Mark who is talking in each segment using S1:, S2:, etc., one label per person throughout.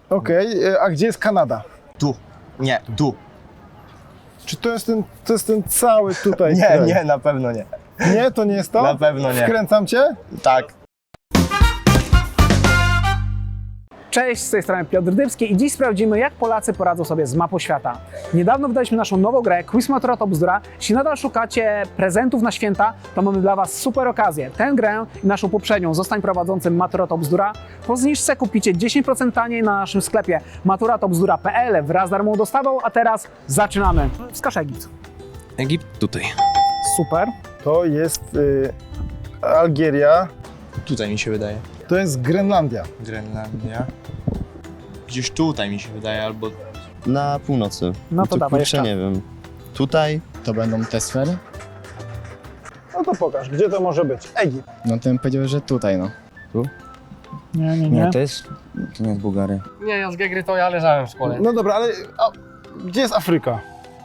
S1: Okej, a gdzie jest Kanada?
S2: Tu. Nie, tu.
S1: Czy to jest ten cały tutaj
S2: Nie,
S1: kraj?
S2: nie, na pewno nie.
S1: Nie, to nie jest to?
S2: Na pewno nie.
S1: Wkręcam cię?
S2: Tak.
S3: Cześć, z tej strony Piotr Dybski i dziś sprawdzimy, jak Polacy poradzą sobie z mapą świata. Niedawno wydaliśmy naszą nową grę Quiz Matura to Bzdura. Jeśli nadal szukacie prezentów na święta, to mamy dla Was super okazję. Tę grę i naszą poprzednią Zostań prowadzącym Matura to Bzdura po zniżce kupicie 10% taniej na naszym sklepie maturatobzdura.pl wraz z darmową dostawą, a teraz zaczynamy. Wskaż Egipt.
S4: Egipt tutaj.
S3: Super.
S1: To jest Algieria,
S2: Tutaj mi się wydaje.
S1: to jest Grenlandia.
S2: Grenlandia. Gdzieś tutaj mi się wydaje, albo...
S5: Na północy.
S3: No to dawaj
S5: kurczę,
S3: jeszcze.
S5: nie wiem. Tutaj
S6: To będą te sfery?
S1: No to pokaż, gdzie to może być? Egipt.
S6: No to bym powiedział, że tutaj, no.
S3: Nie.
S5: nie, to nie jest Bułgaria.
S7: Nie, ja z Gegry to ja leżałem w szkole.
S1: No dobra, ale gdzie jest Afryka?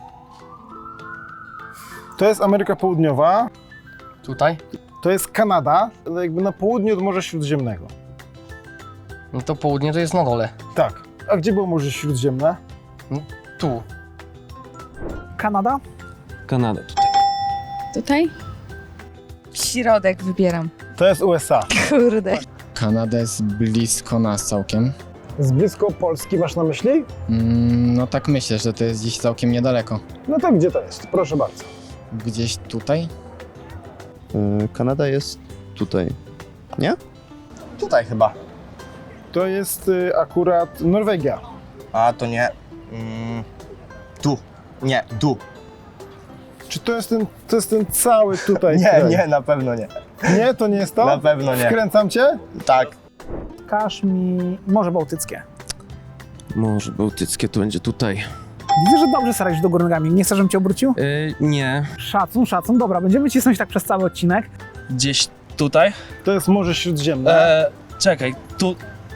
S1: To jest Ameryka Południowa,
S7: Tutaj?
S1: to jest Kanada, ale jakby na południu od Morza Śródziemnego.
S7: No to południe to jest na dole.
S1: Tak. A gdzie było Morze Śródziemne?
S7: Tu.
S3: Kanada?
S4: Kanada tutaj.
S8: Tutaj? Środek wybieram.
S1: To jest USA.
S8: Kurde.
S6: Kanada jest blisko nas całkiem.
S1: Z blisko Polski masz na myśli?
S6: No tak myślę, że to jest gdzieś całkiem niedaleko.
S1: No to gdzie to jest? Proszę bardzo.
S6: Gdzieś tutaj?
S5: Kanada jest tutaj.
S2: Tutaj chyba.
S1: To jest akurat Norwegia.
S2: A, to nie. Tu. Nie, tu.
S1: Czy to jest ten cały tutaj
S2: Nie,
S1: kraj?
S2: nie, na pewno nie.
S1: Nie, to nie jest to?
S2: Na pewno nie.
S1: Wkręcam cię?
S2: Tak.
S3: Wskaż mi Morze Bałtyckie.
S4: Morze Bałtyckie to będzie tutaj.
S3: Widzę, że dobrze starasz do góry nogami. Nie chcesz, żebym Cię obrócił?
S4: Nie.
S3: Szacun. Dobra, będziemy cisnąć tak przez cały odcinek.
S9: Gdzieś tutaj?
S1: To jest Morze Śródziemne.
S9: Czekaj, tu...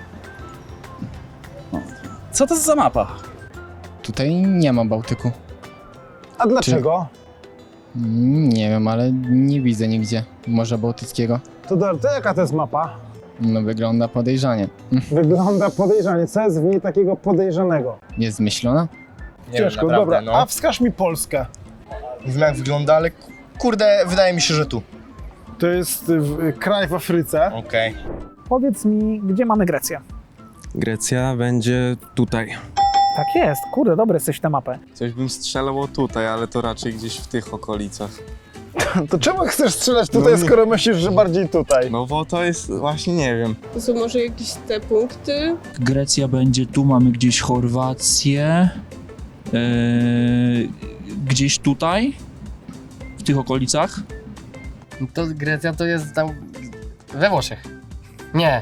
S9: Co to za mapa?
S6: Tutaj nie ma Bałtyku.
S1: A dlaczego?
S6: Nie wiem, ale nie widzę nigdzie Morza Bałtyckiego.
S1: To jaka to jest mapa?
S6: No wygląda podejrzanie.
S1: Wygląda podejrzanie. Co jest w niej takiego podejrzanego?
S6: Jest zmyślona?
S2: Nie
S1: Ciężko,
S2: wiem, naprawdę,
S1: dobra.
S2: no.
S1: A wskaż mi Polskę.
S2: Nie wiem jak wygląda, ale kurde, wydaje mi się, że tu.
S1: To jest kraj w Afryce.
S2: Okej.
S3: Powiedz mi, gdzie mamy Grecję?
S4: Grecja będzie tutaj.
S3: Tak jest, kurde, dobry jesteś w tę mapę.
S10: Coś bym strzelał tutaj, ale to raczej gdzieś w tych okolicach.
S1: To czemu chcesz strzelać tutaj,
S10: No nie.
S1: skoro myślisz, że bardziej tutaj?
S10: No bo to jest właśnie nie wiem.
S8: To są może jakieś te punkty?
S9: Grecja będzie tu, mamy gdzieś Chorwację. Gdzieś tutaj? W tych okolicach?
S7: No to Grecja to jest tam we Włoszech. Nie.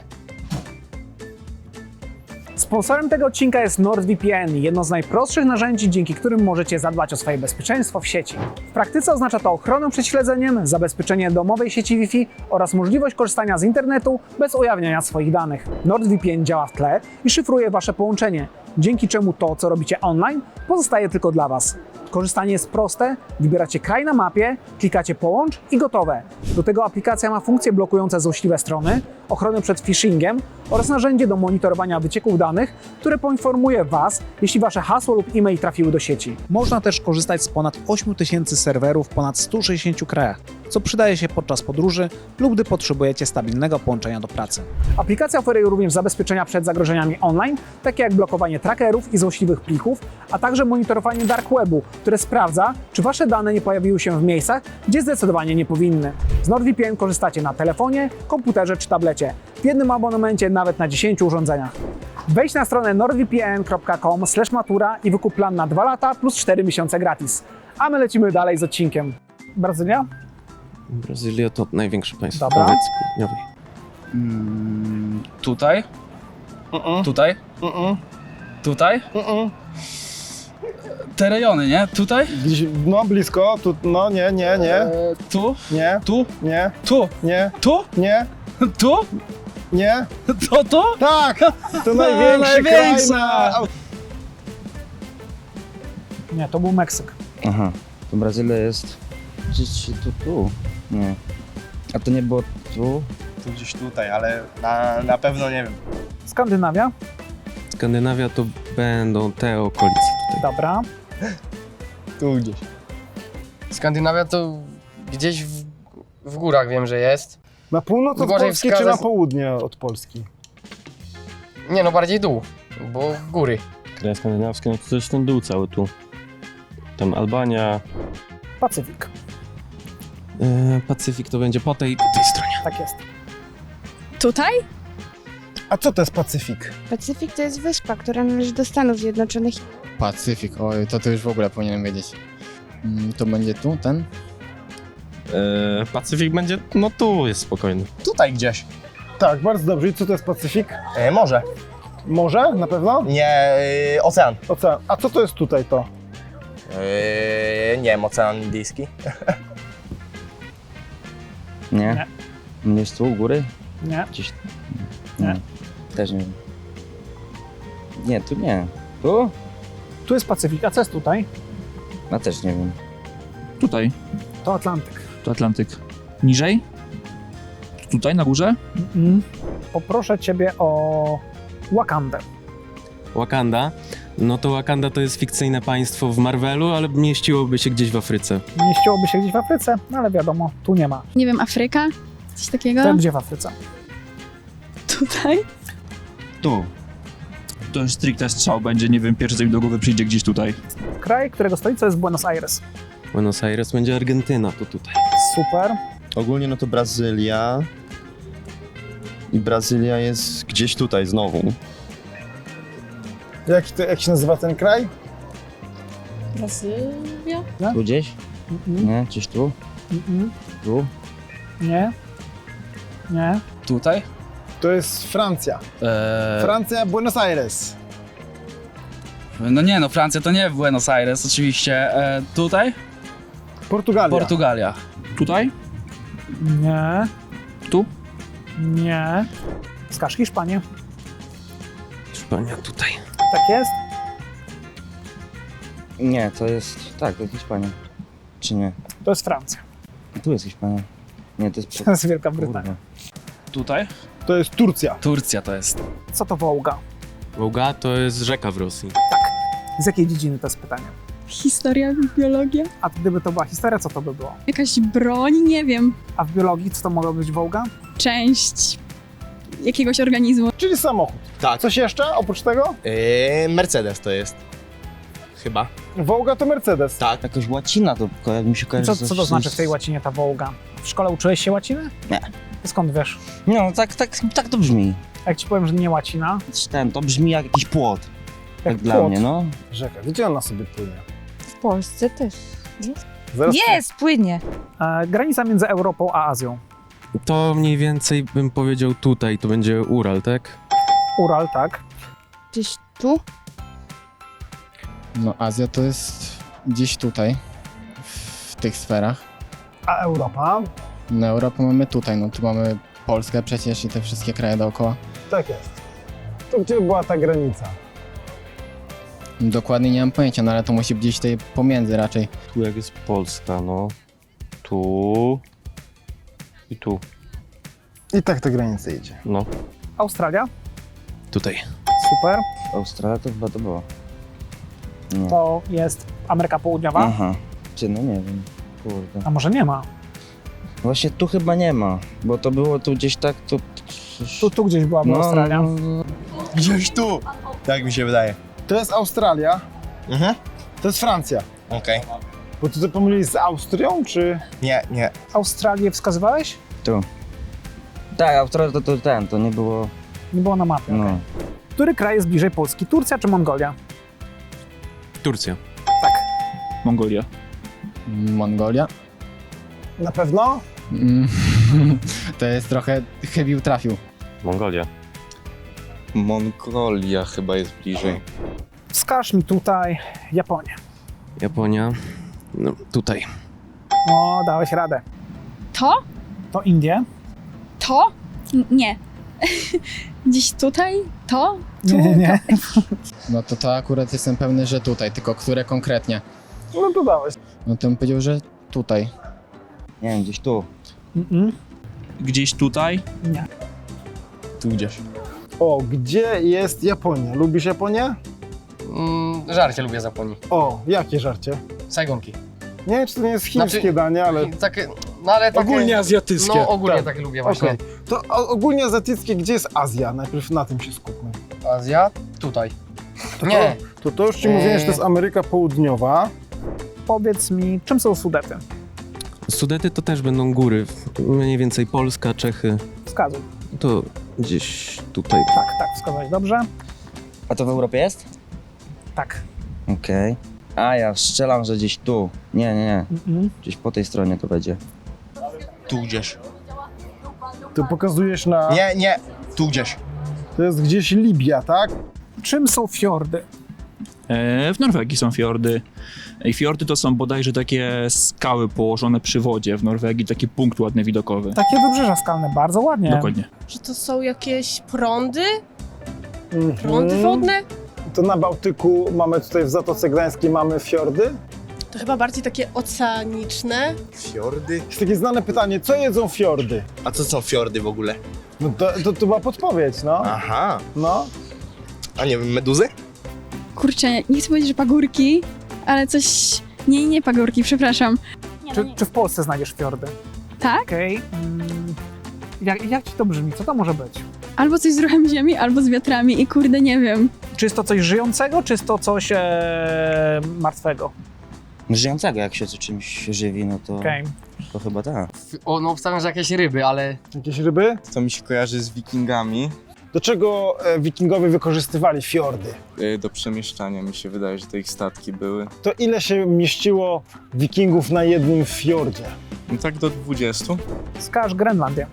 S3: Sponsorem tego odcinka jest NordVPN, jedno z najprostszych narzędzi, dzięki którym możecie zadbać o swoje bezpieczeństwo w sieci. W praktyce oznacza to ochronę przed śledzeniem, zabezpieczenie domowej sieci Wi-Fi oraz możliwość korzystania z internetu bez ujawniania swoich danych. NordVPN działa w tle i szyfruje Wasze połączenie, dzięki czemu to, co robicie online, pozostaje tylko dla Was. Korzystanie jest proste, wybieracie kraj na mapie, klikacie połącz i gotowe. Do tego aplikacja ma funkcje blokujące złośliwe strony, ochronę przed phishingiem oraz narzędzie do monitorowania wycieków danych, które poinformuje Was, jeśli Wasze hasło lub e-mail trafiły do sieci. Można też korzystać z ponad 8000 serwerów w ponad 160 krajach, co przydaje się podczas podróży lub gdy potrzebujecie stabilnego połączenia do pracy. Aplikacja oferuje również zabezpieczenia przed zagrożeniami online, takie jak blokowanie trackerów i złośliwych plików, a także monitorowanie dark webu, które sprawdza, czy Wasze dane nie pojawiły się w miejscach, gdzie zdecydowanie nie powinny. Z NordVPN korzystacie na telefonie, komputerze czy tablecie, w jednym abonamencie nawet na 10 urządzeniach. Wejdź na stronę nordvpn.com/matura i wykup plan na 2 lata plus 4 miesiące gratis. A my lecimy dalej z odcinkiem. Brazylia?
S4: Brazylia to największe państwo
S3: Dobra.
S4: w Ameryce Południowej.
S9: Tutaj? Tutaj? Tutaj? Te rejony, nie? Tutaj?
S1: Gdzieś, no blisko, tu, no nie,
S9: Tu?
S1: nie,
S9: Tu?
S1: nie,
S9: Tu?
S1: nie,
S9: Tu?
S1: nie,
S9: Tu?
S1: nie.
S9: To?
S1: Tak! To największy kraj
S9: największa!
S1: na...
S3: Nie, to był Meksyk.
S5: Aha, to Brazylia jest gdzieś tu. Nie. A to nie było tu?
S2: Tu gdzieś tutaj, ale na pewno nie wiem.
S3: Skandynawia?
S4: Skandynawia to będą te okolice tutaj.
S3: Dobra.
S2: Tu gdzieś.
S7: Skandynawia to gdzieś w górach wiem, że jest.
S1: Na północ od
S7: Gorzej
S1: Polski czy
S7: wskazać-
S1: na południe od Polski?
S7: Nie no, bardziej dół, bo góry.
S9: Kraje skandynawskie, no to jest ten dół cały tu. Tam Albania.
S3: Pacyfik.
S4: Pacyfik to będzie po tej stronie.
S3: Tak jest.
S8: Tutaj?
S1: A co to jest Pacyfik?
S8: Pacyfik to jest wyspa, która należy do Stanów Zjednoczonych.
S6: Pacyfik, oj, to już w ogóle powinienem wiedzieć. To będzie tu, ten?
S9: Pacyfik będzie, no tu jest spokojny.
S2: Tutaj gdzieś.
S1: Tak, bardzo dobrze. I co to jest Pacyfik?
S2: Morze.
S1: Morze? Na pewno?
S2: Nie, ocean.
S1: Ocean. A co to jest tutaj to?
S2: Nie wiem, Ocean Indyjski.
S5: Nie? Nie jest tu u góry?
S3: Nie.
S5: Gdzieś...
S3: Nie.
S5: Też nie wiem. Nie, tu nie. Tu?
S3: Tu jest Pacyfik, a co jest tutaj?
S5: No też nie wiem.
S9: Tutaj,
S3: To Atlantyk.
S9: to Atlantyk. Niżej? Tutaj na górze?
S3: Poproszę ciebie o Wakandę.
S4: Wakanda. No to Wakanda to jest fikcyjne państwo w Marvelu, ale mieściłoby się gdzieś w Afryce.
S3: Mieściłoby się gdzieś w Afryce, no ale wiadomo, tu nie ma.
S8: Nie wiem, Afryka? Coś takiego?
S3: To gdzie w Afryce?
S8: Tutaj?
S9: Tu. To jest stricte strzał będzie, nie wiem, pierwszy co mi do głowy przyjdzie gdzieś tutaj.
S3: Kraj, którego stolicą jest Buenos Aires.
S4: Buenos Aires będzie Argentyna, to tutaj.
S3: Super.
S10: Ogólnie no to Brazylia. I Brazylia jest gdzieś tutaj znowu.
S1: Jak się nazywa ten kraj?
S8: Brazylia?
S5: Tu gdzieś? Nie? Gdzieś tu? Tu?
S3: Nie. Nie.
S9: Tutaj?
S1: To jest Francja. Francja, Buenos Aires.
S11: No nie, no Francja to nie Buenos Aires, oczywiście. Tutaj?
S1: Portugalia.
S11: Portugalia.
S9: Tutaj?
S3: Nie.
S9: Tu?
S3: Nie. Wskaż Hiszpanię.
S4: Hiszpania tutaj.
S3: Tak jest?
S5: Nie, to jest... Tak, to jest Hiszpania. Czy nie?
S3: To jest Francja.
S5: Tu jest Hiszpania. Nie, to jest...
S3: To jest Wielka Brytania.
S11: Tutaj?
S1: To jest Turcja.
S11: Turcja to jest.
S3: Co to Wołga?
S4: Wołga to jest rzeka w Rosji.
S3: Z jakiej dziedziny to jest pytanie?
S8: Historia, biologia?
S3: A gdyby to była historia, co to by było?
S8: Jakaś broń? Nie wiem.
S3: A w biologii co to mogła być Wołga?
S8: Część jakiegoś organizmu.
S1: Czyli samochód.
S2: Tak.
S1: Coś jeszcze oprócz tego?
S2: Mercedes to jest. Chyba.
S1: Wołga to Mercedes.
S2: Tak.
S5: Jakaś łacina to mi się
S3: I
S5: kojarzy.
S3: co to znaczy w tej łacinie ta Wołga? W szkole uczyłeś się łaciny?
S5: Nie.
S3: Skąd wiesz?
S5: No, tak to brzmi.
S3: Jak ci powiem, że nie łacina,
S5: To brzmi jak jakiś płot.
S3: jak
S5: Tak dla
S3: płot.
S5: mnie, no.
S1: Rzeka. Gdzie ona sobie płynie?
S8: W Polsce też.
S1: Zaraz
S8: płynie.
S3: Granica między Europą a Azją.
S4: To mniej więcej bym powiedział tutaj, to będzie Ural, tak?
S3: Ural, tak.
S8: Gdzieś tu?
S6: No Azja to jest gdzieś tutaj, w tych sferach.
S1: A Europa?
S6: Na Europę mamy tutaj, no tu mamy Polskę przecież i te wszystkie kraje dookoła.
S1: Tak jest. To gdzie była ta granica?
S6: Dokładnie nie mam pojęcia, no ale to musi być gdzieś tutaj pomiędzy raczej.
S9: Tu jak jest Polska, no. Tu. I tu.
S1: I tak ta granica idzie.
S9: No.
S3: Australia,
S4: Tutaj.
S3: super.
S5: Australia to chyba to było. Nie.
S3: To jest Ameryka Południowa.
S5: Aha. Czy no nie wiem. Kurde.
S3: A może nie ma?
S5: Właśnie tu chyba nie ma, bo to było tu gdzieś tak, to...
S3: Tu gdzieś byłaby Australia.
S2: Gdzieś tu. Tak mi się wydaje.
S1: To jest Australia.
S2: Mhm.
S1: To jest Francja.
S2: Okej.
S1: Bo ty to pomyliłeś z Austrią, czy...
S2: Nie.
S3: Australię wskazywałeś?
S5: Tu. Tak, Australia to nie było...
S3: Nie było na mapie.
S5: No.
S3: Który kraj jest bliżej Polski? Turcja czy Mongolia?
S4: Turcja.
S9: Mongolia.
S6: Mongolia?
S1: Na pewno?
S6: To jest trochę chybił trafił.
S9: Mongolia.
S10: Mongolia chyba jest bliżej.
S3: Wskaż mi tutaj Japonię.
S4: Japonia. No, tutaj.
S3: O, dałeś radę.
S8: To?
S3: To Indie?
S8: To? Nie. Gdzieś tutaj? To? Tu?
S3: Nie.
S6: No to akurat jestem pewny, że tutaj, tylko które konkretnie?
S1: No to dałeś.
S6: No to bym powiedział, że tutaj.
S5: Nie wiem, gdzieś tu.
S3: Mm-mm.
S9: Gdzieś tutaj?
S3: Nie.
S10: Tu gdzieś.
S1: O, gdzie jest Japonia? Lubisz Japonię?
S7: Żarcie lubię z Japonii.
S1: O, jakie żarcie?
S7: Sajgonki.
S1: Nie wiem, czy to nie jest chińskie
S7: Znaczy,
S1: danie, ale...
S7: Takie, no ale takie...
S1: Ogólnie azjatyckie.
S7: No ogólnie
S1: Tak.
S7: takie lubię właśnie.
S1: Okej. To ogólnie azjatyckie, gdzie jest Azja? Najpierw na tym się skupmy.
S7: Azja? Tutaj. Nie.
S1: To już ci mówiłem, że to jest Ameryka Południowa.
S3: Powiedz mi, czym są Sudety?
S4: Sudety to też będą góry, mniej więcej Polska, Czechy,
S3: Wskazuj.
S4: to gdzieś tutaj.
S3: Tak, wskazać dobrze.
S5: A to w Europie jest?
S3: Tak.
S5: Okej. A ja strzelam, że gdzieś tu. Nie.
S3: Mm.
S5: Gdzieś po tej stronie to będzie.
S2: Tu gdzieś.
S1: Ty pokazujesz na...
S2: Nie, tu gdzieś.
S1: To jest gdzieś Libia, tak?
S3: Czym są fiordy?
S9: W Norwegii są fiordy. I fiordy to są bodajże takie skały położone przy wodzie w Norwegii, taki punkt ładny widokowy.
S3: Takie wybrzeża skalne, bardzo ładnie.
S9: Dokładnie.
S12: Że to są jakieś prądy?
S1: Mhm.
S12: Prądy wodne?
S1: To na Bałtyku mamy tutaj w Zatoce Gdańskiej mamy fiordy.
S12: To chyba bardziej takie oceaniczne.
S2: Fiordy?
S1: Jest takie znane pytanie, co jedzą fiordy?
S2: A co są fiordy w ogóle?
S1: No to była podpowiedź, no.
S2: Aha.
S1: No.
S2: A nie wiem, meduzy?
S8: Kurczę, nie chcę powiedzieć, że pagórki, ale coś... Nie pagórki, przepraszam.
S3: Czy w Polsce znajdziesz fiordy?
S8: Tak?
S3: Okej. Jak ci to brzmi? Co to może być?
S8: Albo coś z ruchem ziemi, albo z wiatrami i kurde, nie wiem.
S3: Czy jest to coś żyjącego, czy jest to coś martwego?
S5: Żyjącego, jak się czymś żywi, no to,
S3: Okej.
S5: to chyba tak.
S7: O, no obstawiam, że jakieś ryby, ale...
S1: Jakieś ryby?
S2: To mi się kojarzy z wikingami.
S1: Do czego wikingowie wykorzystywali fiordy?
S2: Do przemieszczania mi się wydaje, że to ich statki były.
S1: To ile się mieściło wikingów na jednym fiordzie?
S2: No tak do 20.
S3: Wskaż Grenlandię.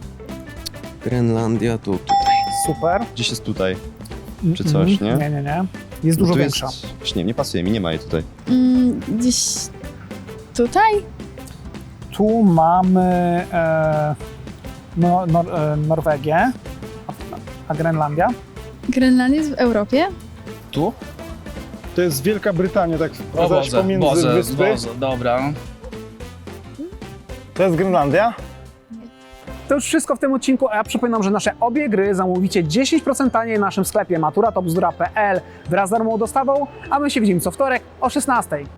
S4: Grenlandia to tutaj.
S3: Super.
S10: Gdzieś jest tutaj. Czy coś, nie?
S3: Nie. Jest dużo
S10: Tu
S3: większa.
S10: Właśnie, nie pasuje mi, nie ma jej tutaj.
S8: Gdzieś tutaj?
S3: Tu mamy Norwegię, a Grenlandia.
S8: Grenlandia jest w Europie?
S1: Tu? To jest Wielka Brytania, tak zaś pomiędzy wyspy.
S11: Dobra.
S1: To jest Grenlandia?
S3: To już wszystko w tym odcinku, a ja przypominam, że nasze obie gry zamówicie 10% taniej w naszym sklepie maturatobzdura.pl wraz z darmową dostawą, a my się widzimy co wtorek o 16:00.